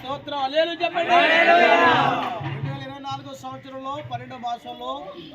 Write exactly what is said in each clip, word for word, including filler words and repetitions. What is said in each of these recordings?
స్తోత్రం హల్లెలూయా చెప్పండి. రెండు వేల ఇరవై నాలుగో సంవత్సరంలో పన్నెండో మాసంలో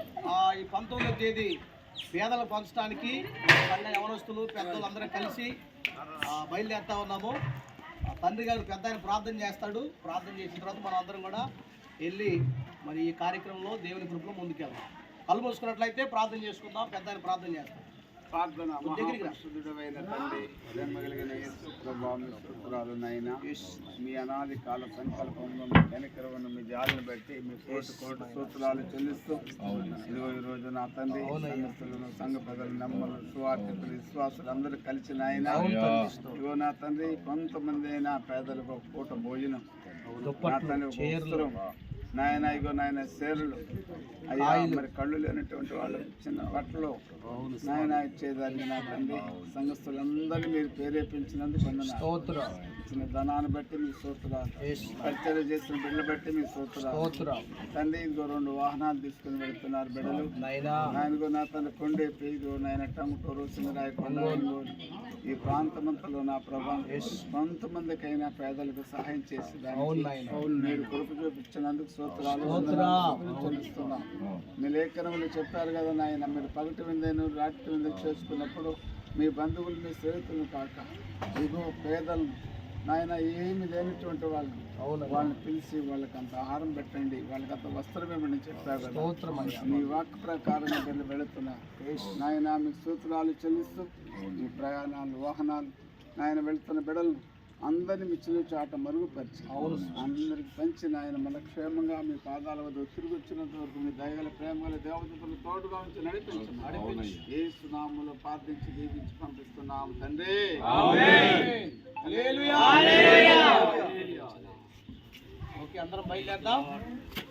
ఈ పంతొమ్మిదో తేదీ పేదలు పంచడానికి కన్న యవనస్తులు పెద్దలు అందరం కలిసి బయలుదేరుతా ఉన్నాము. తండ్రి గారు పెద్ద ఆయన ప్రార్థన చేస్తాడు. ప్రార్థన చేసిన తర్వాత మనం అందరం కూడా వెళ్ళి మరి ఈ కార్యక్రమంలో దేవుని కృపలో ముందుకెళ్దాం. కళ్ళు మూసుకున్నట్లయితే ప్రార్థన చేసుకుందాం. పెద్ద ఆయన ప్రార్థన చేస్తాం. ప్రార్థన. మహాపరిశుద్ధుడైన తండ్రి, ప్రేమ కలిగిన యేసు ప్రభువా, మీ స్తోత్రాలు నాయనా. మీ అనాది కాల సంకల్పంలో మీ కనికరమును మీ జాలిని బట్టి మీ కోటి కోటి స్తోత్రాలు చెల్లిస్తూ ఇదిగో ఈ రోజు నా తండ్రి సంఘస్థులను సంఘ ప్రజలు నమ్మలు సువార్థికులు విశ్వాసులు అందరూ కలిసి నాయన ఇదిగో నా తండ్రి కొంతమంది అయినా పేదలకు ఒక పూట భోజనం నా తండ్రి ఒక వస్త్రం నాయన ఇగో నాయన సేరులు అయ్యా మరి కళ్ళు లేనటువంటి వాళ్ళు చిన్న బట్టలు నాయన ఇచ్చేదాన్ని నా తండ్రి సంఘస్థులందరినీ మీరు ప్రేరేపించినందుకు వందనాలు. ఇచ్చిన ధనాన్ని బట్టి మీ స్తోత్రాలు, పరిచర్య చేసిన బిడ్డలు బట్టి మీ స్తోత్రాలు తండ్రి. ఇదిగో రెండు వాహనాలు తీసుకుని వెళ్తున్నారు బిడ్డలు నాయనగో నా తండ్రి కొండే పేరు నాయన టంగుటూరు సింగరాయ కొండ ఈ ప్రాంతమంతలో నా ప్రభావం కొంతమందికైనా పేదలకు సహాయం చేసి మీరు కృప చూపించినందుకు స్తోత్రాలు చెల్లిస్తున్నాం. మీ లేఖనములు చెప్పారు కదా నాయన, మీరు పగటి విందేను రాత్రి విందు చేసుకున్నప్పుడు మీ బంధువులు మీ స్నేహితులను కాక ఇగో పేదలను నాయన ఏమి లేనటువంటి వాళ్ళు వాళ్ళని పిలిచి వాళ్ళకి అంత ఆహారం పెట్టండి, వాళ్ళకి అంత వస్త్రం ఇవ్వండి చెప్పారు కదా. మీ వాక్ ప్రకారం వెళ్ళి వెళుతున్నా నాయన మీకు సూత్రాలు చెల్లిస్తూ మీ ప్రయాణాలు వాహనాలు నాయన వెళుతున్న బిడలు అందరినీ మీ చిల్లు చాట మరుగుపరిచి అందరికి పంచి నాయన మన క్షేమంగా మీ పాదాల వద్ద తిరిగి వచ్చినంత వరకు మీ దయగల ప్రేమగల దేవతలు తోడుగా ఉంచి నడిపించి నడిపించి యేసు నామములో ప్రార్థించి దీవించి పంపిస్తున్నాము తండ్రి. ఓకే, అందరం బయలుదేద్దాం.